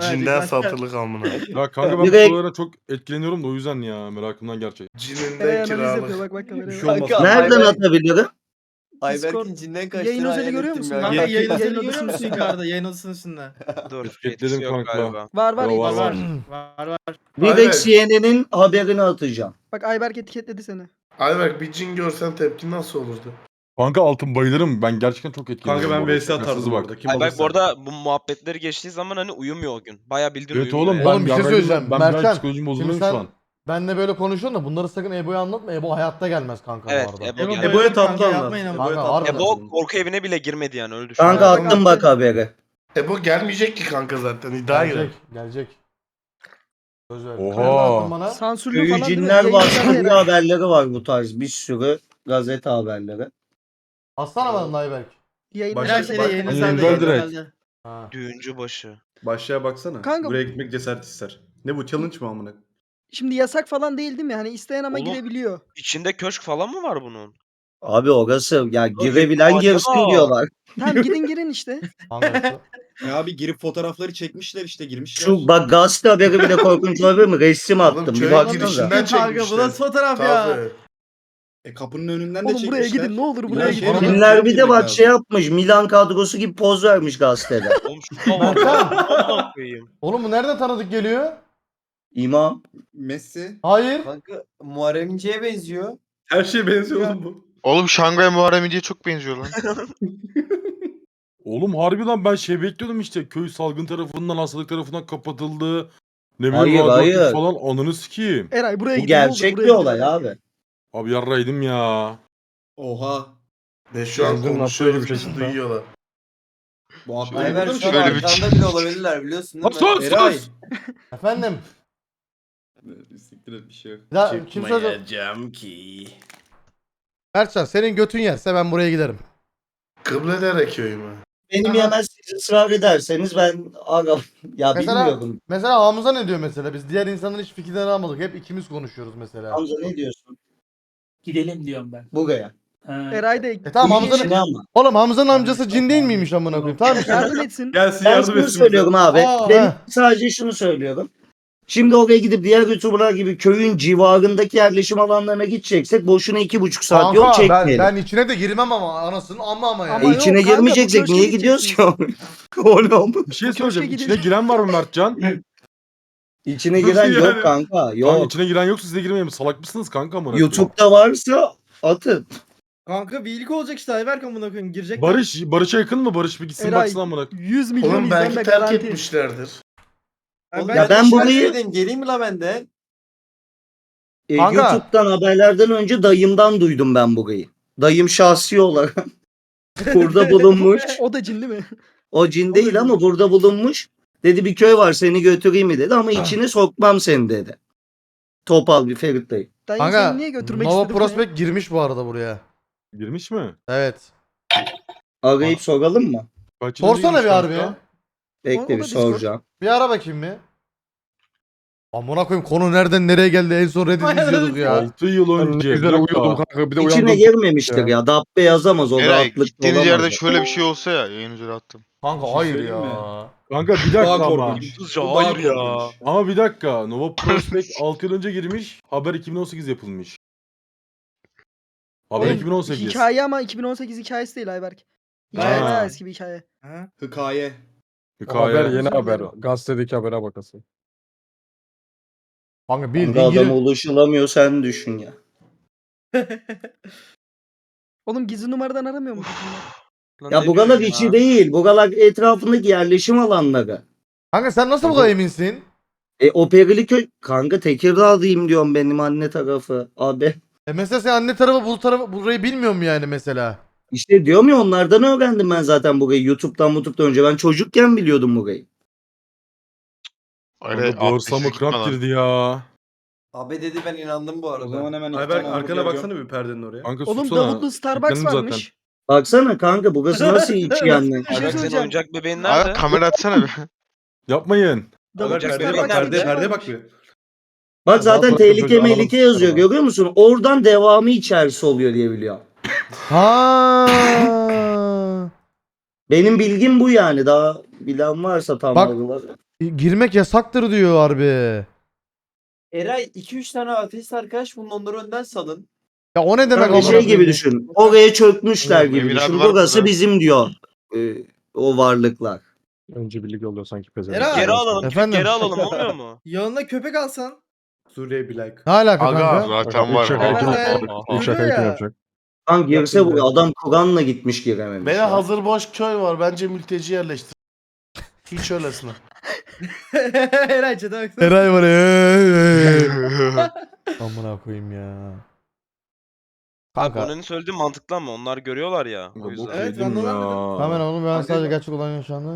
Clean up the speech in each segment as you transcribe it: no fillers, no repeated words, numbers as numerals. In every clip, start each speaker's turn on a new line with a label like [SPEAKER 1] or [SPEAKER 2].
[SPEAKER 1] Cinden satılık amına.
[SPEAKER 2] Ya kanka ben bu
[SPEAKER 3] Direkt-
[SPEAKER 2] sorulara çok etkileniyorum da o yüzden ya merakımdan gerçek.
[SPEAKER 1] Cininden
[SPEAKER 4] Analiz yapıyor
[SPEAKER 1] kiralık.
[SPEAKER 4] bak kameraya.
[SPEAKER 5] Bir
[SPEAKER 4] bak.
[SPEAKER 5] şey olmaz.
[SPEAKER 6] Kanka,
[SPEAKER 3] Nereden
[SPEAKER 6] Ayberk-
[SPEAKER 3] atabilirim?
[SPEAKER 6] Ayberk'in cinden
[SPEAKER 4] Yayın
[SPEAKER 6] kaçtığını
[SPEAKER 4] özeli
[SPEAKER 6] hayal
[SPEAKER 4] görüyor
[SPEAKER 6] ettim
[SPEAKER 4] musun?
[SPEAKER 6] ya.
[SPEAKER 4] Kanka,
[SPEAKER 5] Kanka yayın
[SPEAKER 4] Yayın
[SPEAKER 5] odasını
[SPEAKER 4] odasının
[SPEAKER 5] görüyor musun
[SPEAKER 4] üstünde.
[SPEAKER 5] yukarıda yayın odasının üstünde?
[SPEAKER 7] Dur.
[SPEAKER 2] Etiketledim
[SPEAKER 7] Etkisi yok
[SPEAKER 2] kanka.
[SPEAKER 7] galiba.
[SPEAKER 4] Var var.
[SPEAKER 2] Yo, var,
[SPEAKER 4] var.
[SPEAKER 2] var.
[SPEAKER 5] Var.
[SPEAKER 3] Direkt
[SPEAKER 1] Ayberk.
[SPEAKER 3] CNN'in haberini atacağım.
[SPEAKER 4] Bak Ayberk etiketledi seni.
[SPEAKER 1] Ayberk bir cin görsen tepkin nasıl olurdu?
[SPEAKER 2] Kanka altın bayılırım. Ben gerçekten çok etkileniyorum.
[SPEAKER 5] Kanka ben
[SPEAKER 2] bu arada.
[SPEAKER 5] VS
[SPEAKER 2] Şakasız
[SPEAKER 5] atardım
[SPEAKER 2] bak.
[SPEAKER 5] orada. Kim
[SPEAKER 7] Ay bak
[SPEAKER 5] alırsa.
[SPEAKER 7] bu arada bu muhabbetleri geçtiği zaman hani uyumuyor o gün. Baya bildiğin
[SPEAKER 2] Evet
[SPEAKER 7] uyumuyor
[SPEAKER 2] oğlum.
[SPEAKER 7] yani.
[SPEAKER 2] Ben
[SPEAKER 8] Oğlum bir şey
[SPEAKER 2] yarraydım,
[SPEAKER 8] söyleyeceğim.
[SPEAKER 2] Ben
[SPEAKER 8] Mertcan,
[SPEAKER 2] psikolojim bozuluyor
[SPEAKER 8] şimdi
[SPEAKER 2] şu
[SPEAKER 8] sen
[SPEAKER 2] an.
[SPEAKER 8] benle böyle konuşuyorsun da bunları sakın Ebo'ya anlatma. Ebo hayatta gelmez kanka
[SPEAKER 7] Evet,
[SPEAKER 8] bu arada.
[SPEAKER 7] Ebo
[SPEAKER 5] Ebo
[SPEAKER 7] geldi.
[SPEAKER 5] Ebo'ya tatlı
[SPEAKER 6] Kanka
[SPEAKER 5] anlat.
[SPEAKER 6] yapmayın ama.
[SPEAKER 8] Kanka,
[SPEAKER 6] Ebo'ya tatlı
[SPEAKER 8] harbiden.
[SPEAKER 6] anlat.
[SPEAKER 7] Ebo korku evine bile girmedi yani öyle düşün.
[SPEAKER 3] Kanka
[SPEAKER 1] Ayberk.
[SPEAKER 3] attım bak haberi.
[SPEAKER 1] Ebo gelmeyecek ki kanka zaten iddia girer.
[SPEAKER 8] Gelecek. Gelecek. Söz ver.
[SPEAKER 2] Oha.
[SPEAKER 8] Nereden attın bana?
[SPEAKER 4] Sansürlü
[SPEAKER 3] Köyü
[SPEAKER 4] falan değil mi?
[SPEAKER 3] cinler
[SPEAKER 4] Yayın
[SPEAKER 3] bastı
[SPEAKER 4] odasında
[SPEAKER 3] diye haberleri var bu tarz. Bir sürü gazete haberleri.
[SPEAKER 8] Atsana bana da Ayberk.
[SPEAKER 4] Yayın
[SPEAKER 5] Başka
[SPEAKER 4] odasında-
[SPEAKER 5] şeyde yayın
[SPEAKER 2] Hani
[SPEAKER 5] odasında
[SPEAKER 2] Enver direkt.
[SPEAKER 5] herhalde.
[SPEAKER 8] Ha.
[SPEAKER 7] Düğüncü başı.
[SPEAKER 5] Başlığa baksana.
[SPEAKER 4] Kanka-
[SPEAKER 5] Buraya gitmek cesaret ister. Ne bu challenge mı amına?
[SPEAKER 4] Şimdi yasak falan değil mi? Hani isteyen ama
[SPEAKER 7] Oğlum.
[SPEAKER 4] girebiliyor.
[SPEAKER 7] İçinde köşk falan mı var bunun?
[SPEAKER 3] Abi orası ya girebilen
[SPEAKER 7] acaba?
[SPEAKER 3] girsin diyorlar.
[SPEAKER 4] Tamam gidin girin işte.
[SPEAKER 8] Hangisi?
[SPEAKER 6] Ya abi girip fotoğrafları çekmişler işte girmişler.
[SPEAKER 3] Şu bak gazete haberi bile korkunç olabilir mi? Resim
[SPEAKER 1] Oğlum
[SPEAKER 3] attım. Bir
[SPEAKER 1] köyün
[SPEAKER 3] baksanıza.
[SPEAKER 1] girişinden
[SPEAKER 5] Kanka bu
[SPEAKER 1] çekmişler.
[SPEAKER 5] nasıl fotoğraf ya?
[SPEAKER 1] Tabii.
[SPEAKER 6] Kapının önünden de
[SPEAKER 4] Oğlum
[SPEAKER 6] çekmişler.
[SPEAKER 4] buraya gidin ne olur buraya
[SPEAKER 6] Ya
[SPEAKER 4] gidin.
[SPEAKER 6] sonra-
[SPEAKER 3] Cinler bir de bak şey yapmış. Milan kadrosu gibi poz vermiş gazetede.
[SPEAKER 7] Oğlum şu da var. Amına koyayım.
[SPEAKER 8] Oğlum bu nereden tanıdık geliyor?
[SPEAKER 3] İmam.
[SPEAKER 6] Messi.
[SPEAKER 8] Hayır.
[SPEAKER 6] Kanka Muharrem İnce'ye benziyor.
[SPEAKER 5] Her şeye benziyor oğlum bu.
[SPEAKER 9] Oğlum Şangay Muharrem İnce'ye çok benziyor lan.
[SPEAKER 2] Oğlum harbi lan ben şey bekliyordum işte. Köy salgın tarafından, hastalık tarafından kapatıldı. Ne
[SPEAKER 3] Hayır,
[SPEAKER 2] bileyim radyoaktif
[SPEAKER 3] hayır.
[SPEAKER 2] falan ananı sikeyim.
[SPEAKER 4] Eray buraya
[SPEAKER 3] Bu
[SPEAKER 4] gidin ne olur
[SPEAKER 3] gerçek
[SPEAKER 4] buraya
[SPEAKER 3] bir
[SPEAKER 4] gidin.
[SPEAKER 3] olay abi.
[SPEAKER 2] Abi yarraydım ya.
[SPEAKER 6] Oha.
[SPEAKER 1] Ve şu an
[SPEAKER 8] Yangın
[SPEAKER 1] konuşuyoruz
[SPEAKER 8] nasıl bir
[SPEAKER 1] bizi
[SPEAKER 8] şey?
[SPEAKER 1] duyuyorlar.
[SPEAKER 6] Bu abi
[SPEAKER 9] Şöyle
[SPEAKER 6] Ayber
[SPEAKER 9] bir-
[SPEAKER 6] şu an
[SPEAKER 9] şöyle bir-
[SPEAKER 6] arkanda bile olabilirler biliyorsun değil mi?
[SPEAKER 2] Sus sus.
[SPEAKER 8] Efendim.
[SPEAKER 6] Siktir et bir şey yok.
[SPEAKER 8] Ya, kim söyledi?
[SPEAKER 5] Çıkmayacağım ki.
[SPEAKER 8] Mertcan senin götün yerse ben buraya giderim.
[SPEAKER 1] Kıbledere köyü mü?
[SPEAKER 3] Benim yemez siz ısrar ederseniz ben aga ya
[SPEAKER 8] Mesela-
[SPEAKER 3] bilmiyorum.
[SPEAKER 8] Mesela Hamza ne diyor mesela? Biz diğer insanların hiç fikirlerini almadık. Hep ikimiz konuşuyoruz mesela.
[SPEAKER 3] Hamza ne diyorsun?
[SPEAKER 10] Gidelim diyorum ben.
[SPEAKER 3] Buraya.
[SPEAKER 10] Ha.
[SPEAKER 4] Eray da
[SPEAKER 8] Tamam
[SPEAKER 3] İyi
[SPEAKER 8] Hamza'nın...
[SPEAKER 3] işine ama.
[SPEAKER 8] Oğlum Hamza'nın amcası cin değil miymiş amına koyayım? Tamam işte.
[SPEAKER 4] yardım etsin.
[SPEAKER 5] Gelsin
[SPEAKER 3] Ben
[SPEAKER 5] yardım
[SPEAKER 3] şunu
[SPEAKER 5] etsin.
[SPEAKER 3] söylüyorum abi.
[SPEAKER 8] Aa,
[SPEAKER 3] Ben
[SPEAKER 8] heh.
[SPEAKER 3] sadece şunu söylüyorum. Şimdi oraya gidip diğer YouTuber'lar gibi köyün civarındaki yerleşim alanlarına gideceksek boşuna 2,5 saat yol
[SPEAKER 8] Kanka
[SPEAKER 3] çekmeyelim.
[SPEAKER 8] ben içine de girmem ama anasının ama yani.
[SPEAKER 4] Ama yok
[SPEAKER 3] içine
[SPEAKER 4] kanka, bu
[SPEAKER 3] girmeyeceksek
[SPEAKER 4] köşke
[SPEAKER 3] niye gidiyoruz ki? Oğlum.
[SPEAKER 2] Bir şey
[SPEAKER 4] köşke
[SPEAKER 2] söyleyeceğim.
[SPEAKER 4] gidin.
[SPEAKER 2] İçine giren var mı Mertcan?
[SPEAKER 3] İçine
[SPEAKER 5] Nasıl
[SPEAKER 3] giren
[SPEAKER 5] yani?
[SPEAKER 3] yok kanka.
[SPEAKER 2] Kanka
[SPEAKER 3] Yok.
[SPEAKER 2] içine giren yoksa siz de girmeyin. Salak mısınız kanka amına koyayım?
[SPEAKER 3] YouTube'da varsa atın.
[SPEAKER 5] Kanka bir ilk olacak işte Ayberk amına koyayım girecek.
[SPEAKER 2] Barış'a yakın mı? Barış bir gitsin
[SPEAKER 4] Eray,
[SPEAKER 2] baksın amına koyayım.
[SPEAKER 4] 100 milyon
[SPEAKER 1] Oğlum belki
[SPEAKER 4] izlenme
[SPEAKER 1] terk
[SPEAKER 4] garanti.
[SPEAKER 1] etmişlerdir.
[SPEAKER 6] Oğlum
[SPEAKER 3] Ya ben burayı-
[SPEAKER 6] geleyim mi la ben de?
[SPEAKER 8] Kanka.
[SPEAKER 3] YouTube'dan haberlerden önce dayımdan duydum ben burayı. Dayım şahsi olarak burada bulunmuş.
[SPEAKER 4] O da cin değil mi?
[SPEAKER 3] O cin değil ama burada bulunmuş. Dedi bir köy var seni götüreyim mi dedi ama içine sokmam seni dedi. Topal bir Ferit dayı.
[SPEAKER 4] Dayı
[SPEAKER 8] Kanka
[SPEAKER 4] seni niye götürmek
[SPEAKER 8] Nova
[SPEAKER 4] istedi buraya?
[SPEAKER 8] Prospect girmiş bu arada buraya.
[SPEAKER 2] Girmiş mi?
[SPEAKER 8] Evet.
[SPEAKER 3] Arayıp soralım mı?
[SPEAKER 2] Kaç yılında
[SPEAKER 8] Sorsana
[SPEAKER 2] girmiş
[SPEAKER 8] bir
[SPEAKER 2] kanka?
[SPEAKER 8] harbi ya.
[SPEAKER 3] Bekle
[SPEAKER 4] O
[SPEAKER 3] bir
[SPEAKER 4] da Discord.
[SPEAKER 3] soracağım.
[SPEAKER 8] Bir ara bakayım bir. Amına koyayım konu nereden nereye geldi en son Reddit izliyorduk ya.
[SPEAKER 2] 6 yıl önce.
[SPEAKER 8] güzel
[SPEAKER 2] bir dakika.
[SPEAKER 8] uyuyordum kanka bir de
[SPEAKER 3] İçine
[SPEAKER 8] uyandım.
[SPEAKER 3] girmemiştir ya. Dabbe yazamaz o
[SPEAKER 9] Eray
[SPEAKER 3] rahatlık
[SPEAKER 9] gittiğiniz
[SPEAKER 3] olamaz.
[SPEAKER 9] yerde şöyle bir şey olsa ya yayın üzere attım.
[SPEAKER 8] Kanka
[SPEAKER 6] şey
[SPEAKER 8] hayır
[SPEAKER 6] söyleyeyim
[SPEAKER 8] ya.
[SPEAKER 2] Kanka bir
[SPEAKER 6] Daha
[SPEAKER 2] dakika ama.
[SPEAKER 6] korkunç.
[SPEAKER 7] Yıldızca
[SPEAKER 6] Bu daha
[SPEAKER 7] hayır ya.
[SPEAKER 6] korkunç.
[SPEAKER 2] Ama bir dakika. Nova Prospect 6 yıl önce girmiş. Haber 2018 yapılmış. Haber
[SPEAKER 4] Oğlum,
[SPEAKER 2] 2018.
[SPEAKER 4] Hikaye ama 2018 hikayesi değil Ayberk. Hikaye
[SPEAKER 2] Ha.
[SPEAKER 4] bayağı eski bir hikaye.
[SPEAKER 6] Hikaye.
[SPEAKER 2] Hikaye.
[SPEAKER 4] Özür dilerim.
[SPEAKER 8] Gazetedeki habere bakasın. Kanka
[SPEAKER 3] Kanka
[SPEAKER 8] bildiğin
[SPEAKER 3] adama
[SPEAKER 8] girip
[SPEAKER 3] ulaşılamıyor sen düşün ya.
[SPEAKER 4] Oğlum gizli numaradan aramıyor mu?
[SPEAKER 7] Lan
[SPEAKER 3] Ya
[SPEAKER 7] ne
[SPEAKER 3] buralar
[SPEAKER 7] diyorsun
[SPEAKER 3] içi
[SPEAKER 7] ya?
[SPEAKER 3] değil. Buralar etrafındaki yerleşim alanları.
[SPEAKER 8] Kanka sen nasıl bu kadar eminsin?
[SPEAKER 3] O Periliköy kanka Tekirdağ'dayım diyorum benim anne tarafı. Abi
[SPEAKER 8] Mesela sen anne tarafı bu tarafı burayı bilmiyor mu yani mesela?
[SPEAKER 3] işte diyorum ya onlardan öğrendim ben zaten burayı. YouTube'dan önce. Ben çocukken biliyordum burayı.
[SPEAKER 9] Öyle
[SPEAKER 2] Kanka bağırsağıma kramp girdi ya.
[SPEAKER 6] Abi dedi ben inandım bu arada.
[SPEAKER 11] O zaman hemen iki
[SPEAKER 5] Ayberk
[SPEAKER 11] tane
[SPEAKER 5] arkana
[SPEAKER 11] hamburger
[SPEAKER 5] baksana bir perdenin oraya.
[SPEAKER 2] Kanka
[SPEAKER 4] Oğlum
[SPEAKER 2] sussana.
[SPEAKER 4] Davutlu Starbucks
[SPEAKER 2] Yüklendim
[SPEAKER 4] varmış.
[SPEAKER 3] Baksana kanka burası nasıl içi yani.
[SPEAKER 4] Bir şey
[SPEAKER 7] Ayberk senin
[SPEAKER 4] söyleyeceğim.
[SPEAKER 7] oyuncak bebeğin nerede?
[SPEAKER 9] Abi kamera atsana bir.
[SPEAKER 2] Yapmayın.
[SPEAKER 5] Ayberk
[SPEAKER 4] Davutlu
[SPEAKER 5] perdeye bak
[SPEAKER 4] Starbucks
[SPEAKER 5] perdeye
[SPEAKER 4] var.
[SPEAKER 5] perdeye bak bir.
[SPEAKER 3] Bak zaten
[SPEAKER 8] Daha
[SPEAKER 3] tehlike
[SPEAKER 8] sonra
[SPEAKER 3] mehlike
[SPEAKER 8] anladım.
[SPEAKER 3] yazıyor görüyor musun? Oradan devamı içerisi oluyor diye biliyorum.
[SPEAKER 8] Ha.
[SPEAKER 3] Benim bilgim bu yani. Daha bilen varsa tam
[SPEAKER 8] Bak-
[SPEAKER 3] algıları.
[SPEAKER 8] Girmek yasaktır diyor harbi.
[SPEAKER 6] Eray 2-3 tane ateist arkadaş bunun onları önden salın.
[SPEAKER 8] Ya o ne demek
[SPEAKER 3] Kanka
[SPEAKER 8] amına
[SPEAKER 3] şey
[SPEAKER 8] koyayım
[SPEAKER 3] gibi
[SPEAKER 8] ya?
[SPEAKER 3] düşün. Oraya çökmüşler
[SPEAKER 9] Oğlum,
[SPEAKER 3] gibi
[SPEAKER 9] evler
[SPEAKER 3] düşün.
[SPEAKER 9] var
[SPEAKER 3] Burası
[SPEAKER 9] burada.
[SPEAKER 3] bizim diyor. O varlıklar.
[SPEAKER 2] Önce birlik oluyor sanki pezevenk.
[SPEAKER 5] Eray.
[SPEAKER 7] Geri alalım.
[SPEAKER 8] Efendim?
[SPEAKER 7] Geri alalım olmuyor mu?
[SPEAKER 5] Yanına köpek alsan.
[SPEAKER 6] Suriye bir like.
[SPEAKER 8] Ne alaka
[SPEAKER 1] Aga.
[SPEAKER 8] kanka?
[SPEAKER 9] Zaten var.
[SPEAKER 5] İlk şakayı kim yapacak?
[SPEAKER 3] Lan girse
[SPEAKER 5] Yapayım
[SPEAKER 3] bu adam Kur'an'la gitmiş girememiş.
[SPEAKER 1] Bana
[SPEAKER 3] ya.
[SPEAKER 1] hazır boş köy var. Bence mülteci yerleştir. Hiç öylesine.
[SPEAKER 5] Eray çete baksana.
[SPEAKER 8] Eray var ya. Amına koyayım ya. Kanka.
[SPEAKER 7] Konanın söylediği mantıklı ama onlar görüyorlar ya. O yüzden.
[SPEAKER 5] Evet, ben de ondan
[SPEAKER 8] Hemen oğlum ben
[SPEAKER 6] Kanka-
[SPEAKER 8] sadece gerçek olan yaşandı.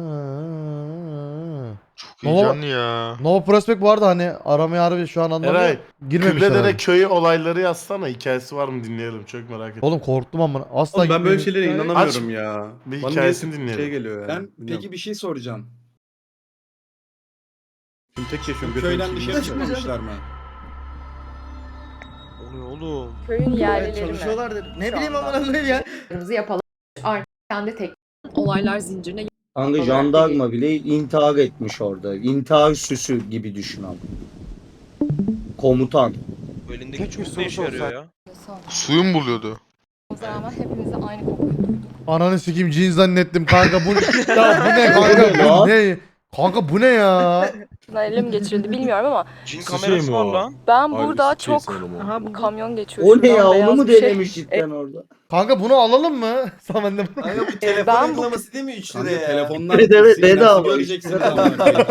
[SPEAKER 9] Çok heyecanlı ya.
[SPEAKER 8] No Prospect vardı hani aramaya harbi şu an anlamıyorum.
[SPEAKER 1] Eray,
[SPEAKER 8] Girmemişler.
[SPEAKER 1] Kıbledere
[SPEAKER 8] abi.
[SPEAKER 1] köyü olayları yazsana. Hikayesi var mı dinleyelim. Çok merak ettim.
[SPEAKER 8] Oğlum korktum amına. Asla
[SPEAKER 5] Oğlum ben böyle
[SPEAKER 8] gitmedim.
[SPEAKER 5] şeylere inanamıyorum ya.
[SPEAKER 1] Bir
[SPEAKER 5] Bana
[SPEAKER 1] hikayesini
[SPEAKER 5] niyeyse
[SPEAKER 1] dinleyelim.
[SPEAKER 5] şey geliyor yani.
[SPEAKER 6] Peki bir şey soracağım.
[SPEAKER 5] Şimdi tek yaşıyorum.
[SPEAKER 6] Bu köyden
[SPEAKER 5] götürmüşüm.
[SPEAKER 6] dışarı çıkmamışlar mı?
[SPEAKER 7] O ne oğlum?
[SPEAKER 11] Köyün
[SPEAKER 5] Evet,
[SPEAKER 11] yerlileri mi?
[SPEAKER 5] çalışıyorlardır. Ne
[SPEAKER 11] Şu
[SPEAKER 5] bileyim
[SPEAKER 11] anda.
[SPEAKER 5] amına koyayım ya.
[SPEAKER 11] Yapalım. Artık kendi tek olaylar zincirine
[SPEAKER 3] Kanka jandarma bile intihar etmiş orada. İntihar süsü gibi düşün abi. Komutan.
[SPEAKER 7] Bu elindeki çok ne işe yarıyor ya?
[SPEAKER 9] Suyu mu buluyordu?
[SPEAKER 11] rağmen hepimize aynı kokuyu duyduk.
[SPEAKER 8] Ananı sikeyim cin zannettim kanka bu. Ya bu ne kanka bu ne? Kanka bu ne ya?
[SPEAKER 11] Şundan ele mi geçirildi bilmiyorum ama
[SPEAKER 7] Cin
[SPEAKER 2] Şey
[SPEAKER 7] kamerası
[SPEAKER 2] mi
[SPEAKER 7] var
[SPEAKER 2] o?
[SPEAKER 7] lan.
[SPEAKER 11] ben burada çok
[SPEAKER 4] Aha bu
[SPEAKER 11] kamyon geçiyor.
[SPEAKER 3] O ne
[SPEAKER 11] şuradan
[SPEAKER 3] ya?
[SPEAKER 11] beyaz
[SPEAKER 3] Onu mu
[SPEAKER 11] bir şey.
[SPEAKER 3] denemiş cidden orada?
[SPEAKER 8] Kanka bunu alalım mı? Sen de bunu.
[SPEAKER 6] Kanka bu telefon
[SPEAKER 11] Ben bu-
[SPEAKER 6] uygulaması değil mi 3
[SPEAKER 5] Kanka
[SPEAKER 6] liraya ya?
[SPEAKER 5] telefonlar
[SPEAKER 3] Evet, evet,
[SPEAKER 5] sinyalsiz
[SPEAKER 3] bedava.
[SPEAKER 5] göreceksiniz amına koyayım.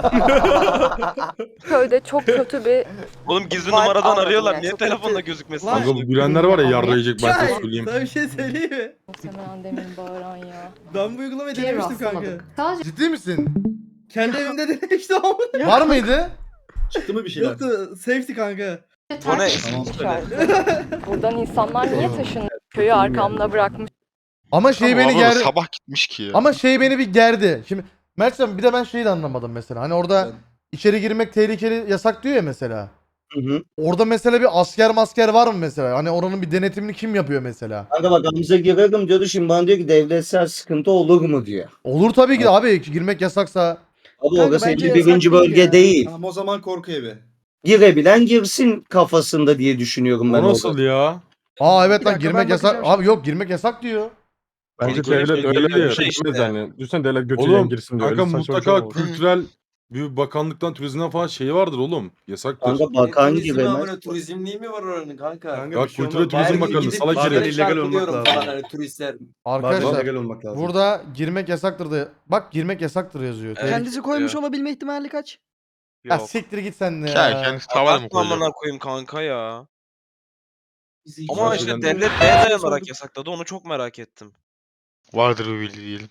[SPEAKER 11] Köyde çok kötü bir
[SPEAKER 7] Oğlum gizli
[SPEAKER 11] Var,
[SPEAKER 7] numaradan
[SPEAKER 11] anladım
[SPEAKER 7] arıyorlar.
[SPEAKER 11] yani,
[SPEAKER 7] Niye
[SPEAKER 11] çok
[SPEAKER 7] telefonla
[SPEAKER 11] kötü.
[SPEAKER 7] gözükmesin?
[SPEAKER 5] Lan-
[SPEAKER 2] Kanka bu gülenler var ya yarrayacak ben size
[SPEAKER 5] Çay,
[SPEAKER 2] söyleyeyim.
[SPEAKER 5] sana bir şey söyleyeyim mi?
[SPEAKER 11] muhtemelen demin bağıran ya.
[SPEAKER 5] Ben bu uygulamayı denemiştim kanka.
[SPEAKER 11] Sadece
[SPEAKER 8] Ciddi misin?
[SPEAKER 5] Kendi evimde denemiştim ama.
[SPEAKER 8] Var mıydı?
[SPEAKER 5] Çıktı mı bir şeyler? Yoktu. Safety kanka.
[SPEAKER 7] Bu ne?
[SPEAKER 11] buradan insanlar niye taşınıyor? Köyü arkamda bırakmış.
[SPEAKER 8] Ama şey
[SPEAKER 9] Ama
[SPEAKER 8] beni
[SPEAKER 9] abla
[SPEAKER 8] gerdi.
[SPEAKER 9] sabah gitmiş ki ya.
[SPEAKER 8] Ama şey beni bir gerdi. Şimdi Mertcan bir de ben şeyi de anlamadım mesela. Hani orada içeri girmek tehlikeli yasak diyor ya mesela.
[SPEAKER 3] Hı hı.
[SPEAKER 8] Orada mesela bir asker var mı mesela? Hani oranın bir denetimini kim yapıyor mesela?
[SPEAKER 3] Kanka bak Hamza girerim diyordu, şimdi bana diyor ki devletsel sıkıntı olur mu diyor.
[SPEAKER 8] Olur tabii ki de abi girmek yasaksa.
[SPEAKER 3] Abi
[SPEAKER 4] Kanka
[SPEAKER 3] orası
[SPEAKER 4] bence
[SPEAKER 3] 51.
[SPEAKER 4] yasak
[SPEAKER 3] bölge
[SPEAKER 4] değil ya.
[SPEAKER 3] değil.
[SPEAKER 6] Tamam o zaman korku evi.
[SPEAKER 3] Girebilen girsin kafasında diye düşünüyorum ben
[SPEAKER 2] O nasıl
[SPEAKER 3] orada.
[SPEAKER 2] ya?
[SPEAKER 8] Aa evet
[SPEAKER 4] Bir
[SPEAKER 8] lan
[SPEAKER 4] dakika,
[SPEAKER 8] girmek
[SPEAKER 4] ben
[SPEAKER 8] yasak.
[SPEAKER 4] bakacağım
[SPEAKER 8] Abi yok girmek yasak diyor.
[SPEAKER 2] Bence
[SPEAKER 7] Oğlum, böyle
[SPEAKER 2] devlet
[SPEAKER 7] şey
[SPEAKER 2] öyle
[SPEAKER 7] değil
[SPEAKER 2] ya.
[SPEAKER 7] mi? Şey işte.
[SPEAKER 2] Yani düşünsene devlet götüyle
[SPEAKER 7] Oğlum,
[SPEAKER 2] girsin diyor.
[SPEAKER 7] kanka
[SPEAKER 2] Öyle saçma bir şey
[SPEAKER 7] mutlaka
[SPEAKER 2] olmaz.
[SPEAKER 7] kültürel bir bakanlıktan turizmden falan şeyi vardır oğlum. Yasaktır.
[SPEAKER 3] Kanka bakan
[SPEAKER 6] Turizmi
[SPEAKER 3] giremez.
[SPEAKER 6] amına turizmliği mi var oranın kanka?
[SPEAKER 5] Kanka
[SPEAKER 2] Ya
[SPEAKER 5] bir şey
[SPEAKER 2] Kültür ve
[SPEAKER 5] olmaz.
[SPEAKER 2] Turizm
[SPEAKER 6] Her gün
[SPEAKER 2] Bakanlığı
[SPEAKER 6] gidip
[SPEAKER 2] salak
[SPEAKER 5] bazen
[SPEAKER 2] herif.
[SPEAKER 5] illegal olmak
[SPEAKER 6] çarpılıyorum
[SPEAKER 5] lazım.
[SPEAKER 6] falan hani turistler.
[SPEAKER 5] Bazen
[SPEAKER 8] Arkadaşlar
[SPEAKER 5] legal olmak lazım.
[SPEAKER 8] burada girmek yasaktır da. Bak girmek yasaktır yazıyor.
[SPEAKER 7] Evet.
[SPEAKER 4] kendisi koymuş
[SPEAKER 7] ya.
[SPEAKER 4] olabilme ihtimali kaç?
[SPEAKER 8] Ya
[SPEAKER 7] Yok.
[SPEAKER 8] siktir git sen de
[SPEAKER 9] Ya
[SPEAKER 8] ya.
[SPEAKER 9] kendisi tavada mı
[SPEAKER 7] Abartma
[SPEAKER 9] koyacak?
[SPEAKER 7] amına koyayım kanka ya. Ama
[SPEAKER 2] Zaten
[SPEAKER 7] işte
[SPEAKER 2] ben-
[SPEAKER 7] devlet neye dayanarak yasakladı onu çok merak ettim.
[SPEAKER 9] Vardır bir bildiği diyelim.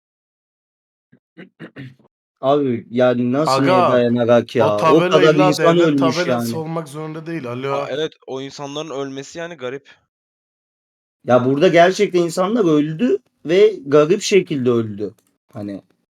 [SPEAKER 3] Abi yani nasıl
[SPEAKER 1] Aga,
[SPEAKER 3] neye dayanarak ya?
[SPEAKER 1] O
[SPEAKER 3] O
[SPEAKER 1] tabela
[SPEAKER 3] kadar
[SPEAKER 1] illa
[SPEAKER 3] insan
[SPEAKER 1] devlet
[SPEAKER 3] ölmüş
[SPEAKER 1] tabelası
[SPEAKER 3] yani.
[SPEAKER 1] olmak zorunda değil. Alo.
[SPEAKER 7] Aa, evet o insanların ölmesi yani garip.
[SPEAKER 3] Ya burada gerçekten insanlar öldü ve garip şekilde öldü. Hani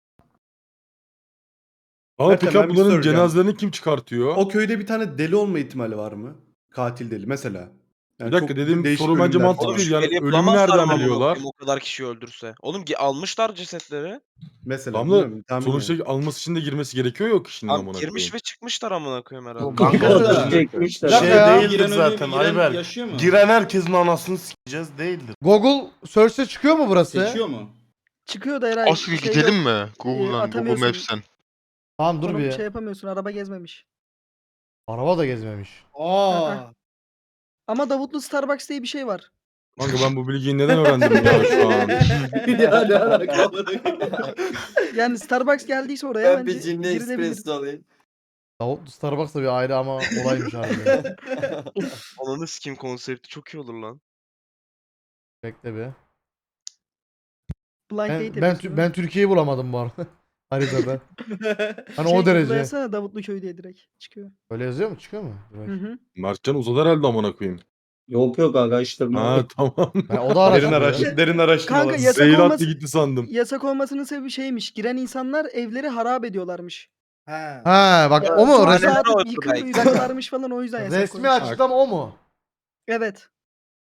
[SPEAKER 2] Ama
[SPEAKER 5] Zaten
[SPEAKER 2] peki
[SPEAKER 5] ben bir
[SPEAKER 2] bunların
[SPEAKER 5] soracağım.
[SPEAKER 2] cenazelerini kim çıkartıyor?
[SPEAKER 5] O köyde bir tane deli olma ihtimali var mı? Katil deli mesela. Yani
[SPEAKER 2] Bir dakika
[SPEAKER 5] çok
[SPEAKER 2] dediğim
[SPEAKER 5] değişik
[SPEAKER 2] soru bence
[SPEAKER 5] ölümler
[SPEAKER 2] mantıklı
[SPEAKER 5] falan.
[SPEAKER 2] değil. Yani
[SPEAKER 7] Şüpheli
[SPEAKER 2] ölümü
[SPEAKER 7] bulamazlar
[SPEAKER 2] nereden
[SPEAKER 7] ama amına
[SPEAKER 2] biliyorlar?
[SPEAKER 7] koyayım o kadar kişi öldürse. Oğlum almışlar cesetleri.
[SPEAKER 5] Mesela.
[SPEAKER 2] Tamam da
[SPEAKER 5] bilmiyorum, tahmin
[SPEAKER 2] sonuçta
[SPEAKER 5] yani.
[SPEAKER 2] alması için de girmesi gerekiyor yok kişinin
[SPEAKER 7] Abi,
[SPEAKER 2] amına
[SPEAKER 7] girmiş
[SPEAKER 2] koyayım.
[SPEAKER 7] ve çıkmışlar amına koyayım herhalde.
[SPEAKER 1] Kanka
[SPEAKER 3] o kadar
[SPEAKER 1] şimdi
[SPEAKER 3] çekmişler.
[SPEAKER 8] Bir
[SPEAKER 1] şey
[SPEAKER 8] dakika ya.
[SPEAKER 1] değildir zaten Ayber. Giren herkesin anasını sikeceğiz değildir.
[SPEAKER 8] Google Search'te çıkıyor mu burası?
[SPEAKER 5] mu?
[SPEAKER 4] Çıkıyor da herhalde.
[SPEAKER 9] Asıl gidelim mi? Google'dan, Google
[SPEAKER 4] atamıyorsun.
[SPEAKER 9] Maps'ten.
[SPEAKER 8] Tamam dur
[SPEAKER 4] Oğlum
[SPEAKER 8] bir.
[SPEAKER 4] şey yapamıyorsun, araba gezmemiş.
[SPEAKER 8] Araba da gezmemiş.
[SPEAKER 5] Aa.
[SPEAKER 4] Ama Davutlu Starbucks diye bir şey var.
[SPEAKER 2] Kanka ben bu bilgiyi neden öğrendim ya şu an?
[SPEAKER 5] Ya ne alaka?
[SPEAKER 4] Yani Starbucks geldiyse oraya
[SPEAKER 6] Ben bir
[SPEAKER 4] bence
[SPEAKER 6] cinli
[SPEAKER 4] girilebilir.
[SPEAKER 6] espresso alayım.
[SPEAKER 8] Davut Starbucks da bir ayrı ama olaymış abi.
[SPEAKER 7] Ananı sikeyim konsepti çok iyi olur lan.
[SPEAKER 8] Bekle bir.
[SPEAKER 4] Blind date
[SPEAKER 8] Ben,
[SPEAKER 4] yapıyorsun.
[SPEAKER 8] ben Türkiye'yi bulamadım bu arada. Haritada. Hani
[SPEAKER 4] Şey,
[SPEAKER 8] o derece.
[SPEAKER 4] tıklayasana Davutlu köy diye direkt çıkıyor.
[SPEAKER 8] Öyle yazıyor mu? Çıkıyor mu? Dur
[SPEAKER 4] Hı
[SPEAKER 8] bakayım.
[SPEAKER 4] hı.
[SPEAKER 2] Mertcan uzadı herhalde amına koyayım.
[SPEAKER 3] Yok yok araştırma.
[SPEAKER 2] Ha tamam.
[SPEAKER 8] Ha, o da araştırıyor.
[SPEAKER 5] Derin araştırma.
[SPEAKER 4] Kanka yasak
[SPEAKER 2] Zehir attı
[SPEAKER 4] olması,
[SPEAKER 2] gitti sandım.
[SPEAKER 4] yasak olmasının sebebi şeymiş. Giren insanlar evleri harap ediyorlarmış.
[SPEAKER 5] Ha.
[SPEAKER 8] Ha bak o mu?
[SPEAKER 4] Çok
[SPEAKER 7] Resmi-
[SPEAKER 4] saat
[SPEAKER 7] Ortada
[SPEAKER 4] yıkıyorlarmış falan o yüzden yasak
[SPEAKER 8] Resmi
[SPEAKER 4] koymuş.
[SPEAKER 8] açıklama o mu?
[SPEAKER 4] Evet.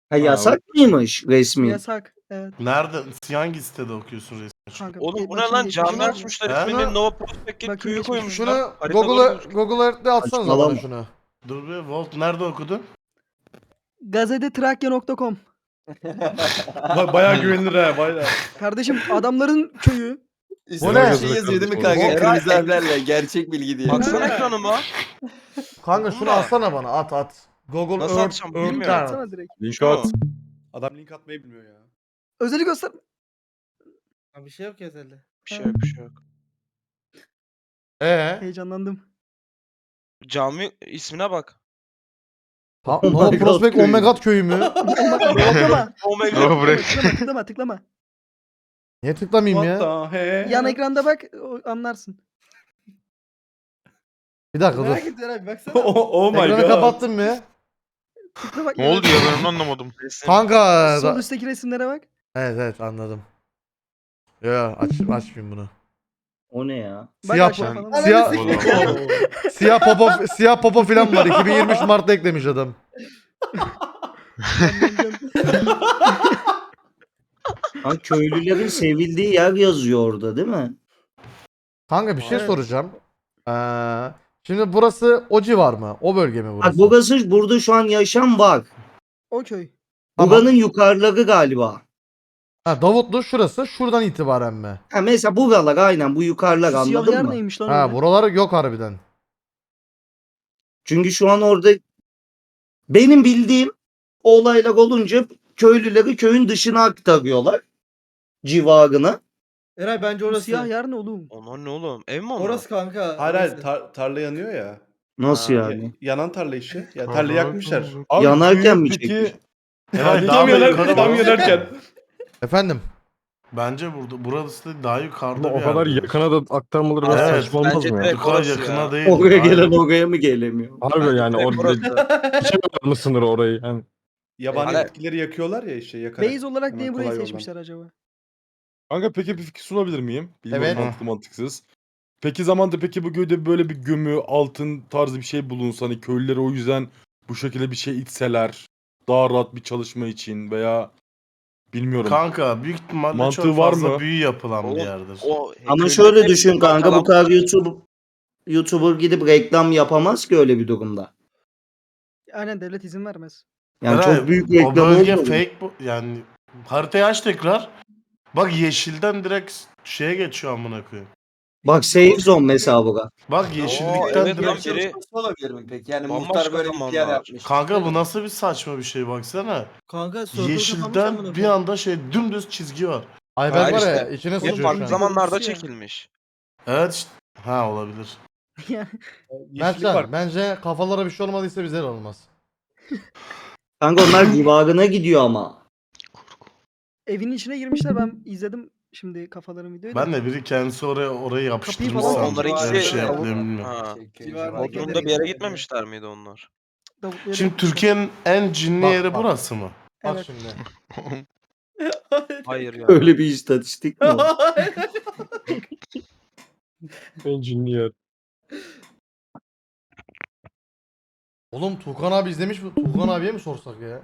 [SPEAKER 3] Ha yasak mıymış resmi?
[SPEAKER 4] Yasak. Evet.
[SPEAKER 1] Nerede? Hangi sitede okuyorsun resmi?
[SPEAKER 4] Kanka,
[SPEAKER 7] Oğlum bu ne
[SPEAKER 4] bakayım
[SPEAKER 7] lan?
[SPEAKER 4] geçmişine
[SPEAKER 7] Cami
[SPEAKER 4] var mı?
[SPEAKER 7] açmışlar.
[SPEAKER 1] He?
[SPEAKER 7] İsmini Nova Prospect
[SPEAKER 4] Bakayım
[SPEAKER 7] köyü
[SPEAKER 4] geçmişine.
[SPEAKER 7] koymuşlar.
[SPEAKER 8] Şunu
[SPEAKER 7] Haritada
[SPEAKER 8] Google'a
[SPEAKER 7] gözüküyor.
[SPEAKER 8] Google Earth'te atsanıza bana
[SPEAKER 3] Saçmalama.
[SPEAKER 8] şunu.
[SPEAKER 1] Dur be Volt nerede okudun?
[SPEAKER 4] Gazetetrakya.com.
[SPEAKER 5] Bayağı güvenilir ha bayağı.
[SPEAKER 4] Kardeşim adamların köyü.
[SPEAKER 1] Bu
[SPEAKER 8] ne?
[SPEAKER 6] Şey yazıyor değil mi
[SPEAKER 2] Bu-
[SPEAKER 6] kanka?
[SPEAKER 7] Eray-
[SPEAKER 6] Kırmızı harflerle gerçek bilgi diye.
[SPEAKER 7] Baksana ekranıma.
[SPEAKER 8] Kanka şunu atsana bana at. Google
[SPEAKER 7] Nasıl
[SPEAKER 8] Earth,
[SPEAKER 7] atacağım
[SPEAKER 8] Earth
[SPEAKER 7] bilmiyorum.
[SPEAKER 8] Chart.
[SPEAKER 4] Atsana direkt.
[SPEAKER 2] Link
[SPEAKER 7] Şu.
[SPEAKER 2] at.
[SPEAKER 5] Adam link atmayı bilmiyor ya.
[SPEAKER 4] Özeli göster.
[SPEAKER 10] Bir şey yok ya özelde.
[SPEAKER 7] Bir şey yok bir şey yok.
[SPEAKER 4] Heyecanlandım.
[SPEAKER 7] Cami ismine bak.
[SPEAKER 8] Ha,
[SPEAKER 3] Oh
[SPEAKER 8] Nova
[SPEAKER 3] my God
[SPEAKER 8] Prospect
[SPEAKER 3] köyü.
[SPEAKER 8] Omega köyü mü?
[SPEAKER 4] Tıklama.
[SPEAKER 9] Nova Break.
[SPEAKER 4] Tıklama.
[SPEAKER 8] Niye tıklamayayım
[SPEAKER 5] What
[SPEAKER 8] ya?
[SPEAKER 5] the hell?
[SPEAKER 4] Yan ekranda bak anlarsın.
[SPEAKER 8] Bir dakika
[SPEAKER 10] Merak
[SPEAKER 8] dur.
[SPEAKER 10] ettim Eray baksana.
[SPEAKER 5] Oh my
[SPEAKER 8] Ekranı
[SPEAKER 5] god.
[SPEAKER 8] kapattın mı?
[SPEAKER 4] Tıkla bak.
[SPEAKER 9] Ne oldu ya ben onu anlamadım.
[SPEAKER 7] Resim.
[SPEAKER 8] Kanka.
[SPEAKER 4] Sol üstteki resimlere bak.
[SPEAKER 8] Evet anladım. Yo açmayayım bunu.
[SPEAKER 3] O ne ya?
[SPEAKER 4] Bak
[SPEAKER 8] Siyah
[SPEAKER 4] aşağı
[SPEAKER 9] ben-
[SPEAKER 4] falan.
[SPEAKER 8] Siyah
[SPEAKER 9] Oğlum.
[SPEAKER 8] siyah popo falan var. 2023 Mart'ta eklemiş adam.
[SPEAKER 3] Ha, köylülerin sevildiği yer yazıyor orada değil mi?
[SPEAKER 8] Kanka bir şey
[SPEAKER 4] Evet.
[SPEAKER 8] soracağım. Şimdi burası o civar mı? O bölge mi
[SPEAKER 3] Bak
[SPEAKER 8] burası?
[SPEAKER 3] burası burada şu an yaşam var.
[SPEAKER 4] O köy.
[SPEAKER 8] Tamam.
[SPEAKER 3] Buranın yukarıları galiba.
[SPEAKER 8] Ha, Davutlu şurası şuradan itibaren mi?
[SPEAKER 3] Ha mesela buralar aynen bu yukarılar
[SPEAKER 4] Siyah
[SPEAKER 3] anladın
[SPEAKER 4] yer
[SPEAKER 3] mı?
[SPEAKER 4] neymiş lan
[SPEAKER 8] Ha
[SPEAKER 4] öyle?
[SPEAKER 8] buralar yok harbiden.
[SPEAKER 3] Çünkü şu an orada benim bildiğim olaylar olunca köylüleri köyün dışına aktarıyorlar. Civarına.
[SPEAKER 10] Eray bence
[SPEAKER 4] Bu
[SPEAKER 10] orası.
[SPEAKER 4] siyah yer ne oğlum?
[SPEAKER 7] Onlar ne oğlum? Ev mi onlar?
[SPEAKER 10] Orası kanka.
[SPEAKER 5] Hayır hayır
[SPEAKER 10] orası.
[SPEAKER 5] tarla yanıyor ya.
[SPEAKER 3] Nasıl
[SPEAKER 7] Ha,
[SPEAKER 3] yani?
[SPEAKER 5] Yanan tarla işi. Ya tarla yakmışlar.
[SPEAKER 2] Abi,
[SPEAKER 3] Yanarken mi
[SPEAKER 2] peki-
[SPEAKER 3] çekmiş?
[SPEAKER 1] Eray daha
[SPEAKER 5] Tam
[SPEAKER 1] da yukarı
[SPEAKER 5] tam
[SPEAKER 1] bak.
[SPEAKER 5] yanarken.
[SPEAKER 8] Efendim?
[SPEAKER 1] Bence burası da daha yukarıda
[SPEAKER 2] Ama
[SPEAKER 1] bir
[SPEAKER 2] o kadar
[SPEAKER 1] yerde.
[SPEAKER 2] yakına da aktarmaları biraz
[SPEAKER 1] Evet,
[SPEAKER 2] saçma olmaz
[SPEAKER 7] bence
[SPEAKER 2] mı ya?
[SPEAKER 7] direkt
[SPEAKER 1] Bu kadar
[SPEAKER 7] orası
[SPEAKER 1] yakına
[SPEAKER 7] ya.
[SPEAKER 1] değil.
[SPEAKER 3] Oraya
[SPEAKER 1] Aynen.
[SPEAKER 3] gelen oraya mı gelemiyor?
[SPEAKER 2] Harbi yani
[SPEAKER 7] Direkt
[SPEAKER 2] orada
[SPEAKER 7] orası.
[SPEAKER 2] geçemiyorlar mı sınırı orayı? Yani
[SPEAKER 5] Yabani
[SPEAKER 7] Hala-
[SPEAKER 5] bitkileri yakıyorlar ya işte yakarak.
[SPEAKER 4] Base olarak
[SPEAKER 5] Hemen
[SPEAKER 4] niye burayı
[SPEAKER 5] kolay yoldan.
[SPEAKER 4] seçmişler acaba?
[SPEAKER 2] Kanka peki bir fikir sunabilir miyim? Bilmiyorum
[SPEAKER 8] Evet.
[SPEAKER 2] mantıklı mantıksız. Peki zamanda peki bu köyde böyle bir gömü, altın tarzı bir şey bulunsa hani köylülere o yüzden bu şekilde bir şey içseler daha rahat bir çalışma için veya bilmiyorum.
[SPEAKER 1] Kanka büyük ihtimalle
[SPEAKER 2] Mantığı
[SPEAKER 1] çok
[SPEAKER 2] var
[SPEAKER 1] fazla
[SPEAKER 2] mı?
[SPEAKER 1] büyü yapılan bir
[SPEAKER 7] Oğlum,
[SPEAKER 1] yerdir.
[SPEAKER 3] Ama
[SPEAKER 7] köyde
[SPEAKER 3] şöyle
[SPEAKER 7] hep
[SPEAKER 3] düşün kanka bu
[SPEAKER 7] kalan-
[SPEAKER 3] kadar YouTuber gidip reklam yapamaz ki öyle bir durumda.
[SPEAKER 4] Aynen devlet izin vermez.
[SPEAKER 3] Yani
[SPEAKER 1] Eray,
[SPEAKER 3] çok büyük
[SPEAKER 1] o
[SPEAKER 3] reklam
[SPEAKER 1] bölge
[SPEAKER 3] olmadı.
[SPEAKER 1] fake bu. Yani haritayı aç tekrar. Bak yeşilden direkt şeye geçiyor amına koyayım.
[SPEAKER 3] Bak safe zone mesela bu.
[SPEAKER 1] Bak yeşillikten
[SPEAKER 7] evet lan
[SPEAKER 1] direkt.
[SPEAKER 7] biri
[SPEAKER 6] olabilir mi peki? Yani
[SPEAKER 7] Bambaşka
[SPEAKER 6] muhtar böyle bir
[SPEAKER 7] zamanlar.
[SPEAKER 6] yer yapmış.
[SPEAKER 1] Kanka bu nasıl bir saçma bir şey baksana.
[SPEAKER 10] Kanka circle kapanmış
[SPEAKER 1] Yeşilden
[SPEAKER 10] amına
[SPEAKER 1] bir
[SPEAKER 10] koyayım.
[SPEAKER 1] anda şey dümdüz çizgi var.
[SPEAKER 8] Ayberk
[SPEAKER 7] Hayır
[SPEAKER 8] var ya
[SPEAKER 7] işte.
[SPEAKER 8] içine
[SPEAKER 7] hep
[SPEAKER 8] sıçıyor şu
[SPEAKER 7] farklı
[SPEAKER 8] an.
[SPEAKER 7] zamanlarda
[SPEAKER 4] Görüntüsü ya.
[SPEAKER 7] çekilmiş.
[SPEAKER 1] Evet işte. Ha olabilir.
[SPEAKER 5] Yeşillik var.
[SPEAKER 8] Mertcan bence kafalara bir şey olmadıysa bize de olmaz.
[SPEAKER 3] Kanka onlar civarına gidiyor ama.
[SPEAKER 4] Evin içine girmişler ben izledim şimdi kafaların videoyu da.
[SPEAKER 1] Ben de biri kendisi orayı yapıştırmış
[SPEAKER 4] falan
[SPEAKER 1] sandım.
[SPEAKER 7] Onlar
[SPEAKER 4] Onlar
[SPEAKER 1] Öyle
[SPEAKER 7] ikisi
[SPEAKER 1] bir şey yapıyor bilmiyorum.
[SPEAKER 7] Ha.
[SPEAKER 10] Civarına
[SPEAKER 7] Bodrum'da
[SPEAKER 10] giderek
[SPEAKER 7] bir yere
[SPEAKER 10] gidiyor.
[SPEAKER 7] gitmemişler miydi onlar?
[SPEAKER 4] Davutlu'ya
[SPEAKER 1] Şimdi
[SPEAKER 4] gitmişler.
[SPEAKER 1] Türkiye'nin en cinli
[SPEAKER 8] Bak,
[SPEAKER 1] yeri
[SPEAKER 8] bak.
[SPEAKER 1] burası mı?
[SPEAKER 8] Bak
[SPEAKER 4] Evet.
[SPEAKER 8] şimdi.
[SPEAKER 7] Hayır ya.
[SPEAKER 3] Öyle bir istatistik mi o?
[SPEAKER 2] engineer.
[SPEAKER 8] Oğlum Tuğkan abi izlemiş mi? Tuğkan abiye mi sorsak ya?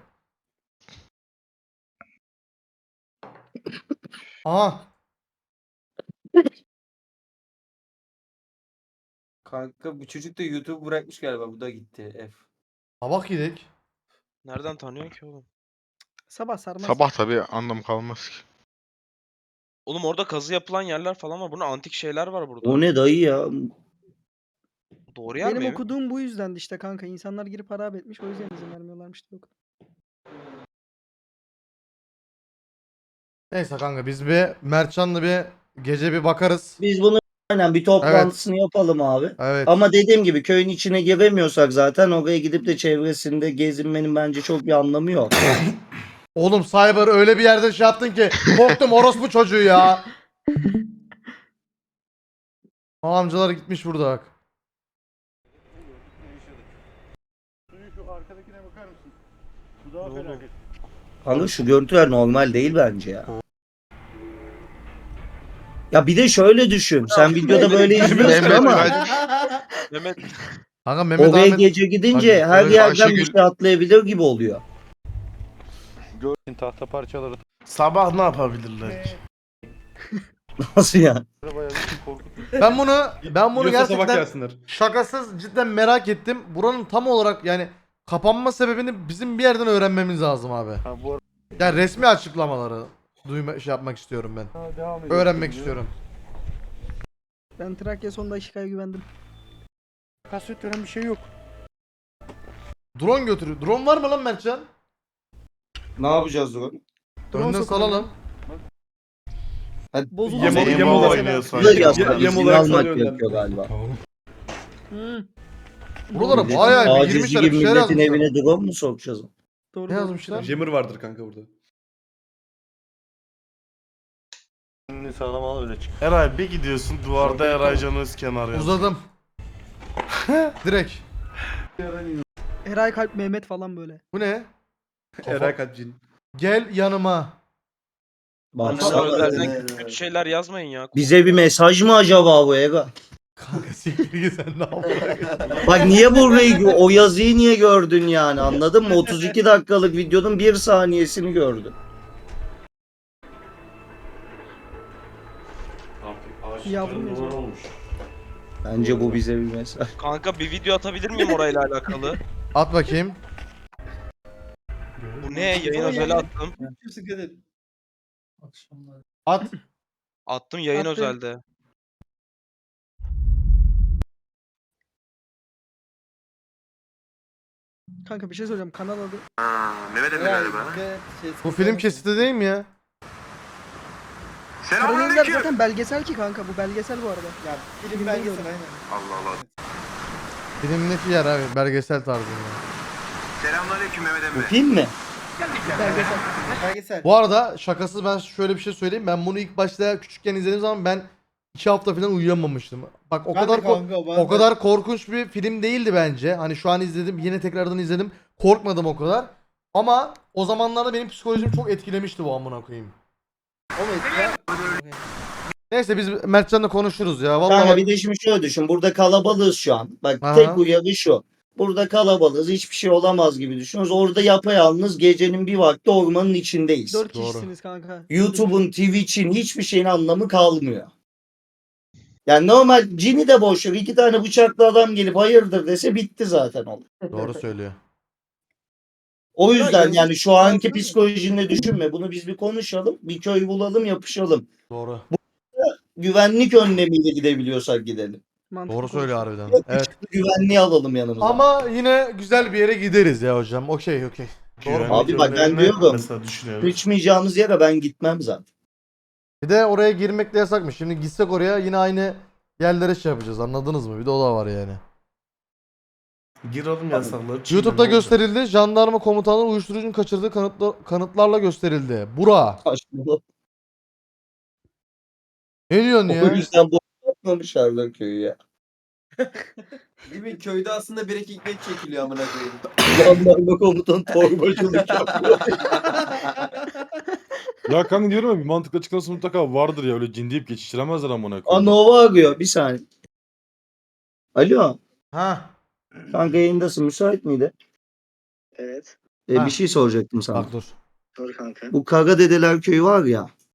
[SPEAKER 8] Aha.
[SPEAKER 6] Kanka bu çocuk da YouTube bırakmış galiba. Bu da gitti. F.
[SPEAKER 8] Sabah gidik.
[SPEAKER 7] Nereden tanıyorsun ki oğlum?
[SPEAKER 4] Sabah sarmaz.
[SPEAKER 9] Sabah tabii anlam kalmaz ki.
[SPEAKER 7] Oğlum orada kazı yapılan yerler falan var. Bunun antik şeyler var burada.
[SPEAKER 3] O ne dayı ya?
[SPEAKER 7] Doğru yer
[SPEAKER 4] Benim
[SPEAKER 7] mi?
[SPEAKER 4] okuduğum bu yüzdendi işte kanka. İnsanlar girip harap etmiş o yüzden izin vermiyorlarmış yok.
[SPEAKER 8] Neyse kanka biz bir Mertcan'la bir gece bir bakarız.
[SPEAKER 3] Biz bunu aynen bir toplantısını yapalım abi.
[SPEAKER 8] Evet.
[SPEAKER 3] Ama dediğim gibi köyün içine giremiyorsak zaten oraya gidip de çevresinde gezinmenin bence çok bir anlamı yok.
[SPEAKER 8] Oğlum Cyber öyle bir yerde şey yaptın ki korktum orospu çocuğu ya. O amcalar gitmiş burada bak.
[SPEAKER 3] Kanka şu görüntüler normal değil bence ya. Ya bir de şöyle düşün. Sen videoda böyle izliyorsun
[SPEAKER 9] Mehmet
[SPEAKER 3] ama
[SPEAKER 9] kaç?
[SPEAKER 7] Mehmet
[SPEAKER 8] Kanka Mehmet
[SPEAKER 3] oraya
[SPEAKER 8] Ahmet
[SPEAKER 3] gece gidince
[SPEAKER 8] Hadi,
[SPEAKER 3] her
[SPEAKER 9] evet,
[SPEAKER 3] yerden bir
[SPEAKER 9] Ayşegül-
[SPEAKER 3] şey atlayabilir gibi oluyor.
[SPEAKER 8] Tahta parçaları.
[SPEAKER 1] Sabah ne yapabilirler ki?
[SPEAKER 3] Nasıl ya?
[SPEAKER 8] Ben bunu
[SPEAKER 5] Yiyorsa sabah
[SPEAKER 8] gerçekten
[SPEAKER 5] gelsinler.
[SPEAKER 8] şakasız cidden merak ettim. Buranın tam olarak yani kapanma sebebini bizim bir yerden öğrenmemiz lazım abi. Yani resmi açıklamaları şey yapmak istiyorum ben. Öğrenmek istiyorum.
[SPEAKER 4] Ben Trakya son dakikaya güvendim.
[SPEAKER 8] Kasvet veren bir şey yok. Drone götürüyor. Drone var mı lan Mertcan?
[SPEAKER 3] Ne yapacağız o?
[SPEAKER 4] Drone
[SPEAKER 8] Önden
[SPEAKER 4] sokalım.
[SPEAKER 8] salalım.
[SPEAKER 4] Bozuldu.
[SPEAKER 5] Yem-
[SPEAKER 4] Senin
[SPEAKER 5] yem
[SPEAKER 4] bu
[SPEAKER 5] olarak
[SPEAKER 4] mesela.
[SPEAKER 1] oynuyor
[SPEAKER 3] Bu da
[SPEAKER 1] sanki.
[SPEAKER 3] yasak.
[SPEAKER 5] Yem
[SPEAKER 3] İzin
[SPEAKER 5] olarak
[SPEAKER 3] almak
[SPEAKER 5] salıyor
[SPEAKER 3] gerekiyor galiba.
[SPEAKER 4] Hı.
[SPEAKER 8] Buralara
[SPEAKER 3] Milletin
[SPEAKER 8] bayağı bir
[SPEAKER 3] acizi
[SPEAKER 8] girmişler.
[SPEAKER 3] gibi
[SPEAKER 8] Bir şeyler
[SPEAKER 3] milletin
[SPEAKER 8] yazmışlar.
[SPEAKER 3] evine drone mu sokacağız?
[SPEAKER 4] Doğru,
[SPEAKER 8] Ne
[SPEAKER 4] doğru.
[SPEAKER 8] yazmışlar?
[SPEAKER 5] Jammer vardır kanka burada.
[SPEAKER 1] Eray bir gidiyorsun duvarda Eray Can Özkenar yazıyor.
[SPEAKER 8] Uzadım. Direkt.
[SPEAKER 4] Eray Kalp Mehmet falan böyle.
[SPEAKER 8] Bu ne?
[SPEAKER 5] Eray Kalpcin.
[SPEAKER 8] Gel yanıma.
[SPEAKER 3] Bak
[SPEAKER 7] Bana
[SPEAKER 3] sana-
[SPEAKER 7] özelden kötü şeyler yazmayın ya.
[SPEAKER 3] bize bir mesaj mı acaba bu Ega?
[SPEAKER 8] Kanka siktir git sen ne yapıyorsun?
[SPEAKER 3] Bak niye burayı o yazıyı niye gördün yani anladın mı? 32 dakikalık videonun 1 saniyesini gördün.
[SPEAKER 4] Yavrum yazıyor.
[SPEAKER 3] Bence bu bize bir mesaj.
[SPEAKER 7] Kanka bir video atabilir miyim orayla alakalı?
[SPEAKER 8] At bakayım.
[SPEAKER 7] Bu ne? Yayın özeli attım.
[SPEAKER 8] At.
[SPEAKER 7] Attım yayın
[SPEAKER 4] Attın.
[SPEAKER 7] özelde.
[SPEAKER 4] Kanka bir şey söyleyeceğim. Kanal adı.
[SPEAKER 8] Bu film kesiti değil mi ya?
[SPEAKER 4] Karayollar zaten belgesel ki kanka. Bu belgesel bu arada.
[SPEAKER 10] Ya film
[SPEAKER 4] Film
[SPEAKER 10] belgesel
[SPEAKER 4] değil
[SPEAKER 10] aynen.
[SPEAKER 8] Filmdeki yer abi belgesel tarzında.
[SPEAKER 3] Bu film mi?
[SPEAKER 4] Belgesel.
[SPEAKER 10] Belgesel.
[SPEAKER 8] Bu arada şakasız ben şöyle bir şey söyleyeyim. Ben bunu ilk başta küçükken izlediğim zaman ben 2 hafta falan uyuyamamıştım. Bak o
[SPEAKER 10] Ben de
[SPEAKER 8] kadar
[SPEAKER 10] kanka, ben
[SPEAKER 8] o
[SPEAKER 10] de.
[SPEAKER 8] kadar korkunç bir film değildi bence. Hani şu an izledim, yine tekrardan izledim. Korkmadım o kadar. Ama o zamanlarda benim psikolojim çok etkilemişti bu amına koyayım. Neyse biz Mertcan'la konuşuruz ya. Vallahi
[SPEAKER 3] Kanka
[SPEAKER 8] bak-
[SPEAKER 3] bir de şimdi şöyle düşün. Burada kalabalığız şu an. Bak
[SPEAKER 8] Aha.
[SPEAKER 3] tek uyarı şu. Burada kalabalığız. Hiçbir şey olamaz gibi düşünüyoruz. Orada yapayalnız gecenin bir vakti ormanın içindeyiz.
[SPEAKER 4] 4
[SPEAKER 8] Doğru.
[SPEAKER 4] kişisiniz kanka.
[SPEAKER 3] YouTube'un, Twitch'in hiçbir şeyin anlamı kalmıyor. Yani normal cini de boş ver. 2 tane bıçaklı adam gelip hayırdır dese bitti zaten olay.
[SPEAKER 8] Doğru söylüyor.
[SPEAKER 3] O
[SPEAKER 10] Ya
[SPEAKER 3] yüzden
[SPEAKER 10] yazık
[SPEAKER 3] yani şu anki
[SPEAKER 10] zaten.
[SPEAKER 3] psikolojinle düşünme. Bunu biz bir konuşalım. Bir köy bulalım yapışalım.
[SPEAKER 8] Doğru.
[SPEAKER 3] Güvenlik önlemiyle gidebiliyorsak gidelim.
[SPEAKER 4] Mantıklı
[SPEAKER 8] Doğru söylüyor
[SPEAKER 4] konuşuyor.
[SPEAKER 8] harbiden. Evet.
[SPEAKER 3] Güvenliği alalım yanımıza.
[SPEAKER 8] Ama yine güzel bir yere gideriz ya hocam. Okey. Doğru.
[SPEAKER 1] Güvenlik
[SPEAKER 3] Abi bak ben
[SPEAKER 1] önlemini
[SPEAKER 3] diyorum.
[SPEAKER 1] Mesela düşünüyorum.
[SPEAKER 3] Sıçmayacağımız yere ben gitmem zaten.
[SPEAKER 8] Bir de oraya girmek de yasakmış. Şimdi gitsek oraya yine aynı yerlere şey yapacağız. Anladınız mı? Bir de o da var yani.
[SPEAKER 1] Gir oğlum yasakları. çiğne,
[SPEAKER 8] YouTube'da
[SPEAKER 1] ne olacak?
[SPEAKER 8] gösterildi. Jandarma komutanları uyuşturucunun kaçırdığı kanıtlarla gösterildi. Bura.
[SPEAKER 3] Saçmalama.
[SPEAKER 8] Ne diyorsun
[SPEAKER 3] O
[SPEAKER 8] ya?
[SPEAKER 3] yüzden bu yapmamışlar köyü ya.
[SPEAKER 6] Değil mi? Köyde aslında bir ekmek çekiliyor amına koyayım.
[SPEAKER 3] Jandarma komutan torbacılık yapıyor.
[SPEAKER 2] Ya kanka diyorum ya bir mantıklı açıklaması mutlaka vardır ya öyle cin deyip geçiştiremezler amına koyayım.
[SPEAKER 3] Nova arıyor bir saniye. Alo.
[SPEAKER 8] Ha.
[SPEAKER 3] Kanka yayındasın müsait miydi?
[SPEAKER 10] Evet.
[SPEAKER 8] Ha.
[SPEAKER 3] Bir şey soracaktım sana.
[SPEAKER 8] Bak dur.
[SPEAKER 10] Dur kanka.
[SPEAKER 3] Bu Kara Dedeler köyü var ya.